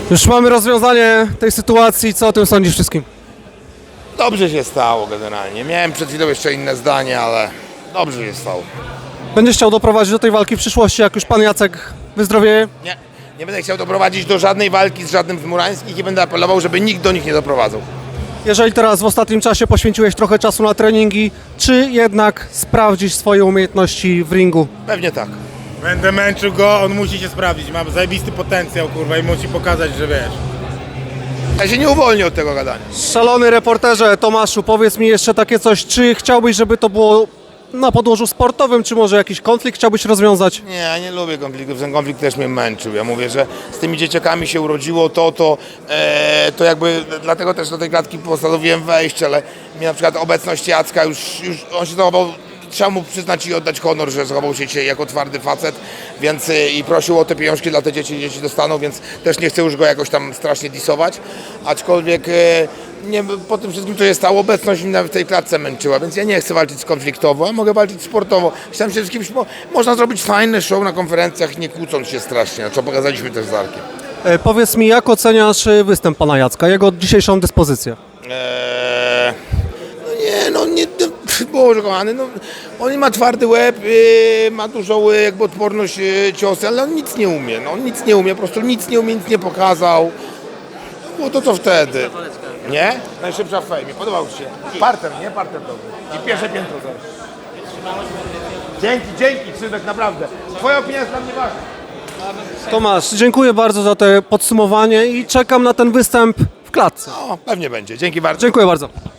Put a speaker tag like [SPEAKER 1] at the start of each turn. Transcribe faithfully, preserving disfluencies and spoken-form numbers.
[SPEAKER 1] Już mamy rozwiązanie tej sytuacji, co o tym sądzisz wszystkim?
[SPEAKER 2] Dobrze się stało generalnie. Miałem przed chwilą jeszcze inne zdanie, ale dobrze się stało.
[SPEAKER 1] Będziesz chciał doprowadzić do tej walki w przyszłości, jak już pan Jacek wyzdrowieje?
[SPEAKER 2] Nie, nie będę chciał doprowadzić do żadnej walki z żadnym z Murańskich i będę apelował, żeby nikt do nich nie doprowadzał.
[SPEAKER 1] Jeżeli teraz w ostatnim czasie poświęciłeś trochę czasu na treningi, czy jednak sprawdzisz swoje umiejętności w ringu?
[SPEAKER 2] Pewnie tak.
[SPEAKER 3] Będę męczył go, on musi się sprawdzić, ma zajebisty potencjał, kurwa, i musi pokazać, że wiesz.
[SPEAKER 2] Ja się nie uwolnię od tego gadania.
[SPEAKER 1] Szalony reporterze Tomaszu, powiedz mi jeszcze takie coś, czy chciałbyś, żeby to było na podłożu sportowym, czy może jakiś konflikt chciałbyś rozwiązać?
[SPEAKER 2] Nie, ja nie lubię konfliktów, ten konflikt też mnie męczył. Ja mówię, że z tymi dzieciakami się urodziło to, to, e, to jakby, dlatego też do tej klatki postanowiłem wejść, ale mi na przykład obecność Jacka już, już on się zachował, trzeba mu przyznać i oddać honor, że zachował się dzisiaj jako twardy facet, więc e, i prosił o te pieniążki dla te dzieci, dzieci dostaną, więc też nie chcę już go jakoś tam strasznie disować, aczkolwiek e, nie, po tym wszystkim, co się stało, obecność mnie w tej klatce męczyła, więc ja nie chcę walczyć konfliktowo, a mogę walczyć sportowo. Chciałem się z kimś, mo- można zrobić fajne show na konferencjach, nie kłócąc się strasznie, co pokazaliśmy też z Arkiem.
[SPEAKER 1] E, powiedz mi, jak oceniasz e, występ pana Jacka, jego dzisiejszą dyspozycję?
[SPEAKER 2] Eee, no nie, no nie, no, Boże kochany, no, on ma twardy łeb, yy, ma dużą yy, jakby odporność yy, ciosy, ale on nic nie umie, no, on nic nie umie, po prostu nic nie umie, nic nie pokazał. Było to co wtedy. Nie? Najszybsza w fejmie, podobał Ci się. Parter, nie? Parter dobry. I pierwsze piętro też. Dzięki, dzięki Krzyżek, naprawdę. Twoja opinia jest dla mnie ważna.
[SPEAKER 1] Tomasz, dziękuję bardzo za to podsumowanie i czekam na ten występ w klatce.
[SPEAKER 2] O, pewnie będzie. Dzięki bardzo.
[SPEAKER 1] Dziękuję bardzo.